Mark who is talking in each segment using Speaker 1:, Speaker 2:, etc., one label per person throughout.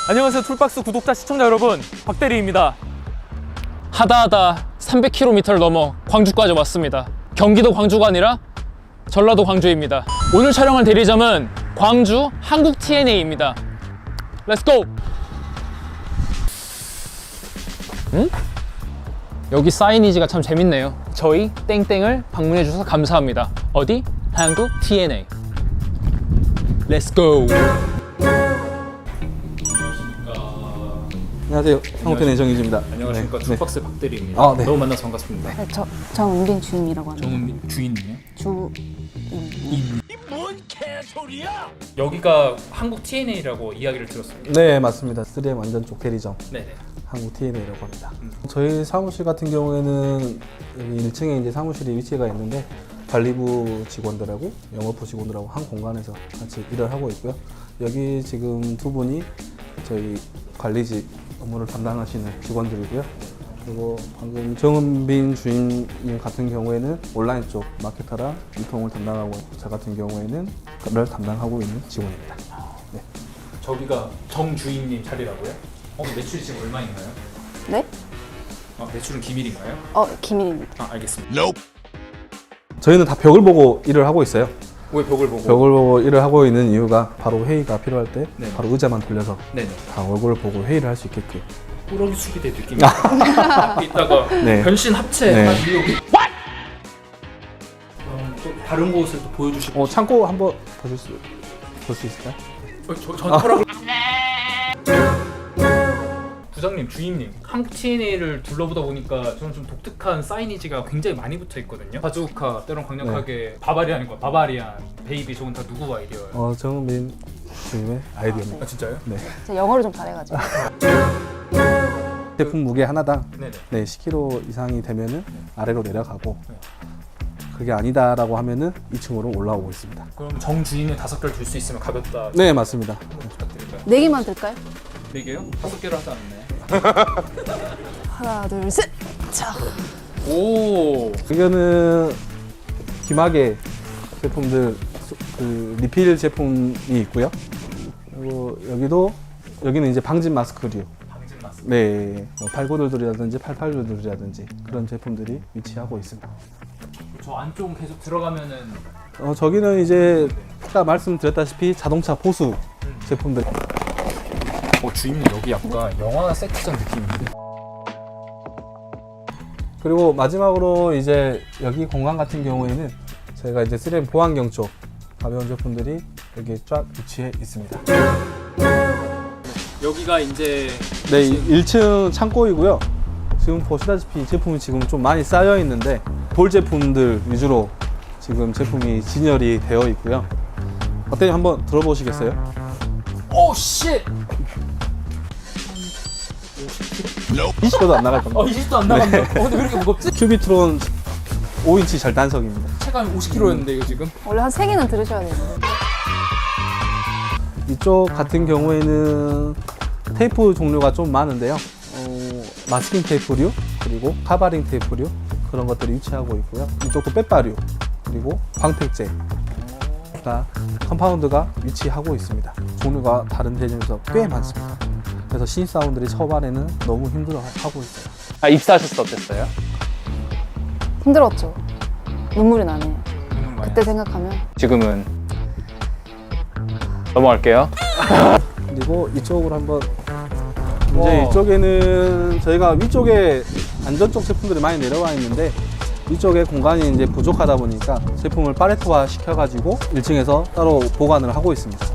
Speaker 1: 안녕하세요 툴박스 구독자 시청자 여러분, 박대리입니다.
Speaker 2: 하다하다 300km를 넘어 광주까지 왔습니다. 경기도 광주가 아니라 전라도 광주입니다. 오늘 촬영할 대리점은 광주 한국 TNA입니다. 렛츠고! 여기 사이니지가 참 재밌네요. 저희 땡땡을 방문해 주셔서 감사합니다. 어디? 한국 TNA. 렛츠고!
Speaker 3: 안녕하세요. 한국TNA 정희주입니다.
Speaker 1: 안녕하십니까.
Speaker 3: 네.
Speaker 1: 툴박스 박대리입니다.
Speaker 3: 네.
Speaker 1: 너무 만나서 반갑습니다.
Speaker 4: 네, 정은빈 주임이라고 합니다.
Speaker 1: 정은민 주인님이요?
Speaker 4: 주임.
Speaker 1: 여기가 한국 TNA라고 이야기를 들었습니다.
Speaker 3: 네, 맞습니다. 3M 완전 쪽 대리점
Speaker 1: 네네.
Speaker 3: 한국TNA라고 합니다. 저희 사무실 같은 경우에는 여기 1층에 이제 사무실이 위치가 있는데 관리부 직원들하고 영업부 직원들하고 한 공간에서 같이 일을 하고 있고요. 여기 지금 두 분이 저희 관리직 업무를 담당하시는 직원들이고요. 그리고 방금 정은빈 주임님 같은 경우에는 온라인 쪽 마케터랑 유통을 담당하고, 저 같은 경우에는 그걸 담당하고 있는 직원입니다. 네.
Speaker 1: 저기가 정 주임님 자리라고요? 매출이 지금 얼마인가요?
Speaker 4: 네?
Speaker 1: 매출은 기밀인가요?
Speaker 4: 기밀입니다.
Speaker 1: 알겠습니다.
Speaker 3: 저희는 다 벽을 보고 일을 하고 있어요.
Speaker 1: 왜 벽을 보고?
Speaker 3: 벽을 보고 일을 하고 있는 이유가 바로 회의가 필요할 때
Speaker 1: 네.
Speaker 3: 바로 의자만 돌려서
Speaker 1: 네네.
Speaker 3: 다 얼굴을 보고 회의를 할 수 있게끔.
Speaker 1: 꾸러기 수비대 느낌이 앞에 있다가
Speaker 3: 네.
Speaker 1: 변신 합체
Speaker 3: 네.
Speaker 1: 한 이후에 또 다른 곳을 또 보여주시고
Speaker 3: 창고 한번 볼 수 있을까요?
Speaker 1: 전투라고 부장님, 주임님, 한국 TNA를 둘러보다 보니까 저는 좀 독특한 사이니지가 굉장히 많이 붙어 있거든요. 바주카, 때론 강력하게 바바리안과 바바리안, 베이비, 저건 다 누구 아이디어예요?
Speaker 3: 정은빈 주임의 아이디어입니다.
Speaker 1: 진짜요?
Speaker 3: 네.
Speaker 4: 제가 영어를 좀 잘해가지고.
Speaker 3: 제품 무게 하나당
Speaker 1: 네네.
Speaker 3: 10kg 이상이 되면은 아래로 내려가고, 그게 아니다라고 하면은 2층으로 올라오고 있습니다.
Speaker 1: 그럼 정 주임이 5개를 들 수 있으면 가볍다.
Speaker 3: 네, 맞습니다.
Speaker 1: 한번 부탁드릴까요?
Speaker 4: 4개만 들까요?
Speaker 1: 4개요? 5개를 하지 않네.
Speaker 4: 하나, 둘, 셋! 자.
Speaker 1: 오.
Speaker 3: 이거는 기마개 제품들, 그 리필 제품이 있고요. 그리고 여기는 이제 방진 마스크류.
Speaker 1: 방진 마스크.
Speaker 3: 네, 8구들이라든지 88구들이라든지 그런 제품들이 위치하고 있습니다.
Speaker 1: 저 안쪽 계속 들어가면은
Speaker 3: 저기는 이제 아까 말씀드렸다시피 자동차 보수 제품들.
Speaker 1: 주임님 여기 약간 영화 세트장 느낌인데.
Speaker 3: 그리고 마지막으로 이제 여기 공간 같은 경우에는 저희가 이제 3M 보안경 쪽 가벼운 제품들이 여기 쫙 위치해 있습니다.
Speaker 1: 여기가 이제
Speaker 3: 네, 1층 창고이고요. 지금 보시다시피 제품이 지금 좀 많이 쌓여 있는데 볼 제품들 위주로 지금 제품이 진열이 되어 있고요. 어때요? 한번 들어보시겠어요?
Speaker 1: 오 쉣!
Speaker 3: 20도도 안 나갈 겁니다.
Speaker 1: 20도 안 나간다. 근데 왜 이렇게 무겁지?
Speaker 3: 큐비트론 5인치 절단석입니다.
Speaker 1: 체감이 50kg였는데 이거 지금?
Speaker 4: 원래 한 3개는 들으셔야 되는데.
Speaker 3: 이쪽 같은 경우에는 테이프 종류가 좀 많은데요. 마스킹 테이프류, 그리고 카바링 테이프류, 그런 것들이 위치하고 있고요. 이쪽도 빼빠류, 그리고 광택제, 다 컴파운드가 위치하고 있습니다. 종류가 다른 대점에서 꽤 많습니다. 그래서 신입사원들이 초반에는 너무 힘들어하고 있어요.
Speaker 2: 입사하셨을 때 어땠어요?
Speaker 4: 힘들었죠. 눈물이 나네요. 그때 생각하면.
Speaker 2: 지금은 넘어갈게요.
Speaker 3: 그리고 이쪽으로 한번, 이제 이쪽에는 저희가 위쪽에 안전쪽 제품들이 많이 내려와 있는데 위쪽에 공간이 이제 부족하다 보니까 제품을 팔레트화 시켜가지고 1층에서 따로 보관을 하고 있습니다.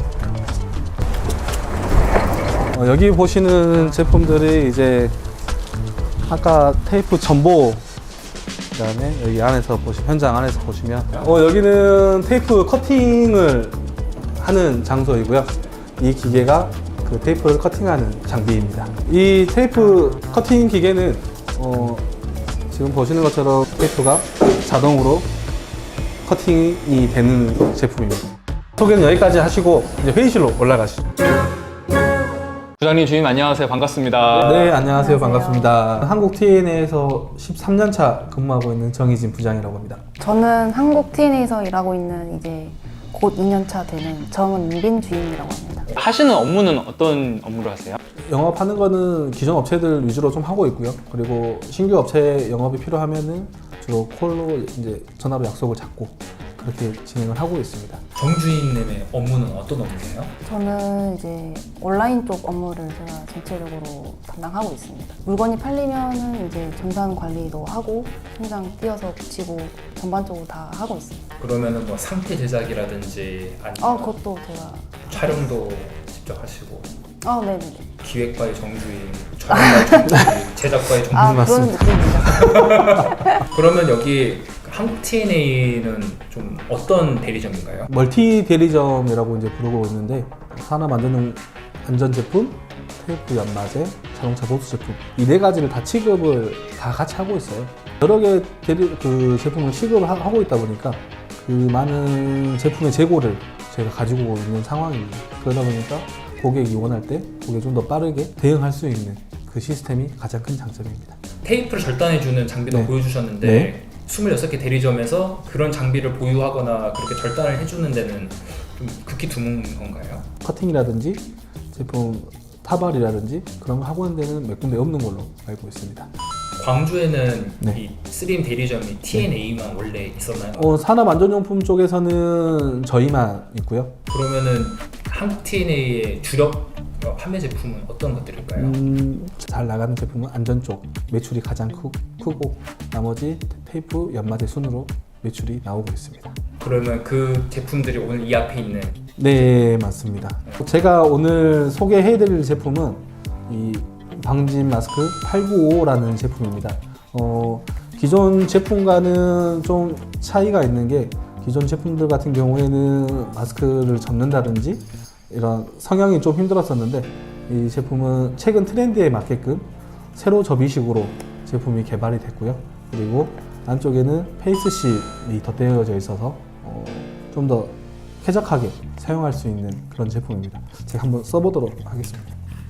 Speaker 3: 여기 보시는 제품들이 이제 아까 테이프 전보, 그다음에 여기 안에서 현장 안에서 보시면 여기는 테이프 커팅을 하는 장소이고요. 이 기계가 그 테이프를 커팅하는 장비입니다. 이 테이프 커팅 기계는 지금 보시는 것처럼 테이프가 자동으로 커팅이 되는 제품입니다. 소개는 여기까지 하시고 이제 회의실로 올라가시죠.
Speaker 2: 부장님, 주임 안녕하세요. 반갑습니다.
Speaker 3: 네, 안녕하세요. 반갑습니다. 한국 TNA에서 13년차 근무하고 있는 정희진 부장이라고 합니다.
Speaker 4: 저는 한국 TNA에서 일하고 있는 이제 곧 6년차 되는 정은빈 주임이라고 합니다.
Speaker 2: 하시는 업무는 어떤 업무를 하세요?
Speaker 3: 영업하는 거는 기존 업체들 위주로 좀 하고 있고요. 그리고 신규 업체 영업이 필요하면은 주로 콜로 이제 전화로 약속을 잡고 그렇게 진행을 하고 있습니다.
Speaker 1: 정주임님의 업무는 어떤 업무예요?
Speaker 4: 저는 이제 온라인 쪽 업무를 제가 전체적으로 담당하고 있습니다. 물건이 팔리면은 이제 정산 관리도 하고 현장 뛰어서 붙이고 전반적으로 다 하고 있습니다.
Speaker 1: 그러면은 뭐 상태 제작이라든지 아니면
Speaker 4: 그것도 제가
Speaker 1: 촬영도 직접 하시고
Speaker 4: 네네네.
Speaker 1: 기획과의 정주임, 촬영과의 정주임, 제작과의 정주임.
Speaker 4: 그런 느낌입니다.
Speaker 1: 그러면 여기 한국 TNA는 좀 어떤 대리점인가요?
Speaker 3: 멀티 대리점이라고 이제 부르고 있는데 산업 안전용 안전 제품, 테이프 연마제, 자동차 보수 제품 이 네 가지를 다 취급을 다 같이 하고 있어요. 여러 개 그 제품을 취급을 하고 있다 보니까 그 많은 제품의 재고를 저희가 가지고 있는 상황입니다. 그러다 보니까 고객이 원할 때 고객이 좀 더 빠르게 대응할 수 있는 그 시스템이 가장 큰 장점입니다.
Speaker 1: 테이프를 절단해주는 장비도
Speaker 3: 네.
Speaker 1: 보여주셨는데
Speaker 3: 네.
Speaker 1: 26개 대리점에서 그런 장비를 보유하거나 그렇게 절단을 해주는 데는 좀 극히 드문 건가요?
Speaker 3: 커팅이라든지 제품 타발이라든지 그런 거 하고 있는 데는 몇 군데 없는 걸로 알고 있습니다.
Speaker 1: 광주에는
Speaker 3: 네.
Speaker 1: 이 3M 대리점이 TNA만 원래 있었나요?
Speaker 3: 산업 안전용품 쪽에서는 저희만 있고요.
Speaker 1: 그러면은 한국 TNA의 주력 판매 제품은 어떤 것들일까요?
Speaker 3: 잘 나가는 제품은 안전 쪽 매출이 가장 크고 나머지 테이프, 연마제 순으로 매출이 나오고 있습니다.
Speaker 1: 그러면 그 제품들이 오늘 이 앞에 있는
Speaker 3: 네, 맞습니다. 제가 오늘 소개해드릴 제품은 이 방진 마스크 895라는 제품입니다. 기존 제품과는 좀 차이가 있는 게 기존 제품들 같은 경우에는 마스크를 접는다든지 이런 성형이 좀 힘들었었는데 이 제품은 최근 트렌드에 맞게끔 세로 접이식으로 제품이 개발이 됐고요. 그리고 안쪽에는 페이스실이 덧대어져 있어서 좀 더 쾌적하게 사용할 수 있는 그런 제품입니다. 제가 한번 써보도록 하겠습니다.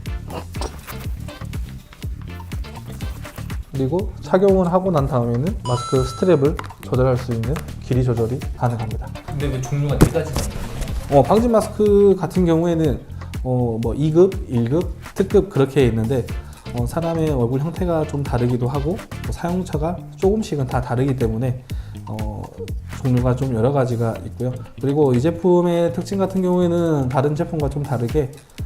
Speaker 3: 그리고 착용을 하고 난 다음에는 마스크 스트랩을 조절할 수 있는 길이 조절이 가능합니다.
Speaker 1: 근데 왜 종류가 4가지나 있나요?
Speaker 3: 방진 마스크 같은 경우에는 뭐 2급, 1급, 특급 그렇게 있는데 사람의 얼굴 형태가 좀 다르기도 하고 사용처가 조금씩은 다 다르기 때문에 종류가 좀 여러 가지가 있고요. 그리고 이 제품의 특징 같은 경우에는 다른 제품과 좀 다르게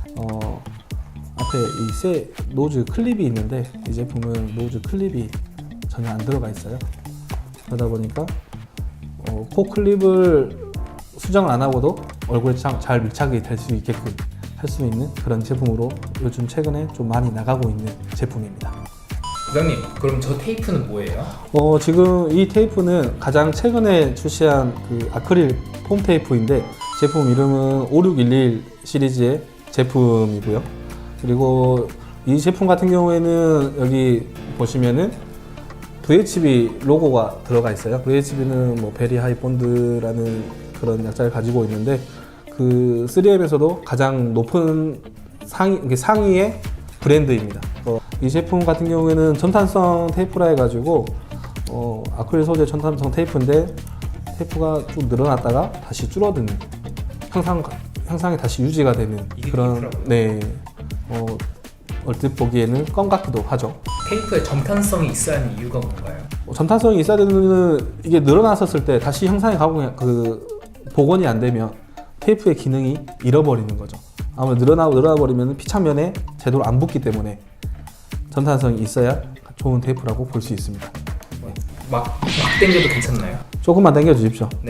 Speaker 3: 앞에 이 새 노즈 클립이 있는데 이 제품은 노즈 클립이 전혀 안 들어가 있어요. 그러다 보니까 코 클립을 수정을 안 하고도 얼굴에 잘 밀착이 될 수 있게끔 할 수 있는 그런 제품으로 요즘 최근에 좀 많이 나가고 있는 제품입니다.
Speaker 1: 부장님, 그럼 저 테이프는 뭐예요?
Speaker 3: 지금 이 테이프는 가장 최근에 출시한 그 아크릴 폼 테이프인데 제품 이름은 5611 시리즈의 제품이고요. 그리고 이 제품 같은 경우에는 여기 보시면은 VHB 로고가 들어가 있어요. VHB는 뭐 베리 하이 본드라는 그런 약자를 가지고 있는데 그 3M에서도 가장 높은 상위의 브랜드입니다. 이 제품 같은 경우에는 전탄성 테이프라 해가지고 아크릴 소재 전탄성 테이프인데 테이프가 쭉 늘어났다가 다시 줄어드는 향상이 다시 유지가 되는
Speaker 1: 이게
Speaker 3: 그런
Speaker 1: 테이프라고요?
Speaker 3: 네 얼핏 보기에는 껌 같기도 하죠.
Speaker 1: 테이프에 점탄성이 있어야 하는 이유가 뭔가요?
Speaker 3: 점탄성이 있어야 되는 이게 늘어났었을 때 다시 향상이 복원이 안 되면 테이프의 기능이 잃어버리는 거죠. 아무래도 늘어나 버리면 피창면에 제대로 안 붙기 때문에 전탄성이 있어야 좋은 테이프라고 볼 수 있습니다.
Speaker 1: 막 당겨도 괜찮나요?
Speaker 3: 조금만 당겨 주십시오.
Speaker 1: 네.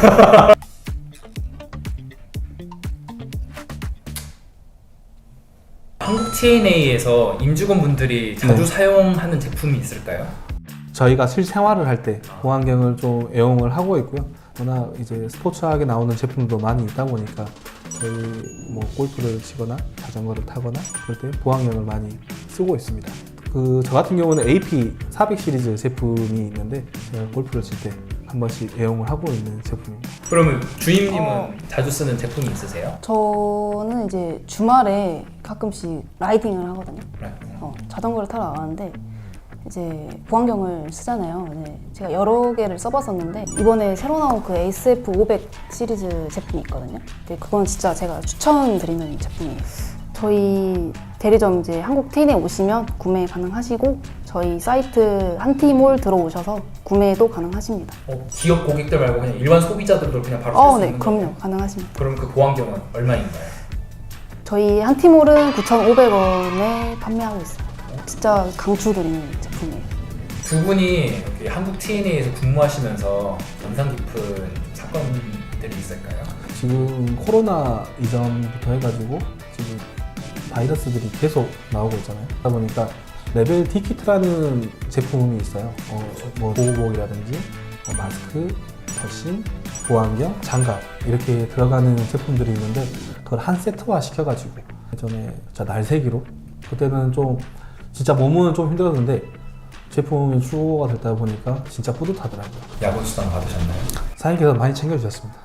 Speaker 1: 한국 TNA에서 임직원분들이 자주
Speaker 3: 네.
Speaker 1: 사용하는 제품이 있을까요?
Speaker 3: 저희가 실생활을 할 때 보안경을 좀 애용을 하고 있고요. 워낙 이제 스포츠하게 나오는 제품도 많이 있다 보니까 저희 뭐 골프를 치거나 자전거를 타거나 그럴 때 보안경을 많이 쓰고 있습니다. 저 같은 경우는 AP 400 시리즈 제품이 있는데 제가 골프를 칠 때 한 번씩 애용을 하고 있는 제품입니다.
Speaker 1: 그러면 주임님은 자주 쓰는 제품이 있으세요?
Speaker 4: 저는 이제 주말에 가끔씩 라이딩을 하거든요. 자전거를 타러 나가는데 이제 보안경을 쓰잖아요. 네, 제가 여러 개를 써봤었는데 이번에 새로 나온 그 ASF500 시리즈 제품이 있거든요. 근데 그건 진짜 제가 추천드리는 제품이에요. 저희 대리점 이제 한국 테인에 오시면 구매 가능하시고 저희 사이트 한티몰 들어오셔서 구매도 가능하십니다.
Speaker 1: 기업 고객들 말고 그냥 일반 소비자들도 그냥 바로 쓸 수
Speaker 4: 네,
Speaker 1: 있는
Speaker 4: 그럼요.
Speaker 1: 거예요?
Speaker 4: 가능하십니다.
Speaker 1: 그럼 그 보안경은 얼마인가요?
Speaker 4: 저희 한티몰은 9,500원에 판매하고 있어요. 진짜 강추드리는 제품이에요.
Speaker 1: 두 분이 이렇게 한국 TNA에서 근무하시면서 인상 깊은 사건들이 있을까요?
Speaker 3: 지금 코로나 이전부터 해가지고 지금 바이러스들이 계속 나오고 있잖아요. 그러다 보니까 레벨 D키트라는 제품이 있어요. 뭐 보호복이라든지 마스크, 더신, 보안경, 장갑 이렇게 들어가는 제품들이 있는데 그걸 한 세트화 시켜가지고 예전에 진짜 날새기로 그때는 좀 진짜 몸은 좀 힘들었는데 제품이 출고가 됐다 보니까 진짜 뿌듯하더라고요.
Speaker 1: 야구 수당 받으셨나요?
Speaker 3: 사장님께서 많이 챙겨주셨습니다.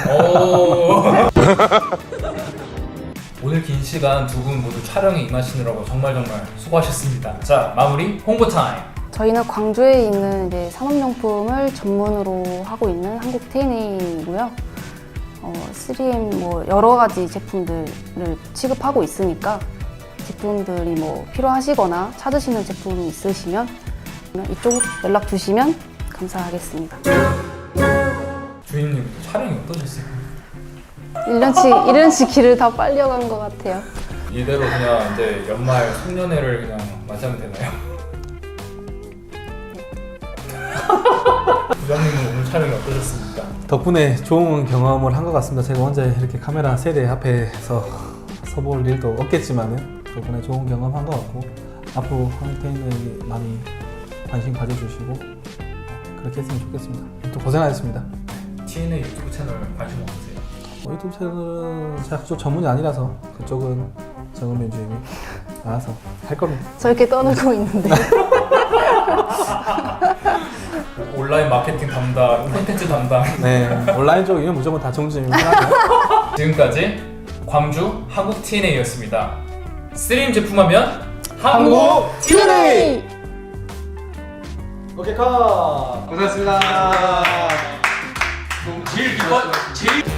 Speaker 1: 오늘 긴 시간 두 분 모두 촬영에 임하시느라고 정말 수고하셨습니다. 자, 마무리 홍보 타임.
Speaker 4: 저희는 광주에 있는 이제 산업용품을 전문으로 하고 있는 한국 테이네이고요. 3M 뭐 여러 가지 제품들을 취급하고 있으니까 제품들이 뭐 필요하시거나 찾으시는 제품이 있으시면 이쪽 연락 주시면 감사하겠습니다.
Speaker 1: 주임님 촬영이 어떠셨어요?
Speaker 4: 1년치 길을 다 빨려간 것 같아요.
Speaker 1: 이대로 그냥 이제 연말 송년회를 그냥 맞이하면 되나요? 부장님은 오늘 촬영이 어떠셨습니까?
Speaker 3: 덕분에 좋은 경험을 한 것 같습니다. 제가 혼자 이렇게 카메라 세대 앞에서 서볼 일도 없겠지만은 덕분에 좋은 경험 한 것 같고 앞으로 한국테인에 많이 관심 가져주시고 그렇게 했으면 좋겠습니다. 또 고생하셨습니다.
Speaker 1: TNA 유튜브 채널 관심 없으세요?
Speaker 3: 유튜브 채널은 제가 그쪽 전문이 아니라서 그쪽은 정은민 주임이 알아서 할 겁니다.
Speaker 4: 저렇게 떠들고 있는데
Speaker 1: 온라인 마케팅 담당, 콘텐츠 담당.
Speaker 3: 네, 온라인 쪽이면 무조건 다 정주임이 하고요.
Speaker 1: 지금까지 광주 한국 TNA였습니다. 3M 제품하면
Speaker 3: 한국
Speaker 4: TNA!
Speaker 3: 오케이 컷!
Speaker 5: 고생하셨습니다.
Speaker 1: 제일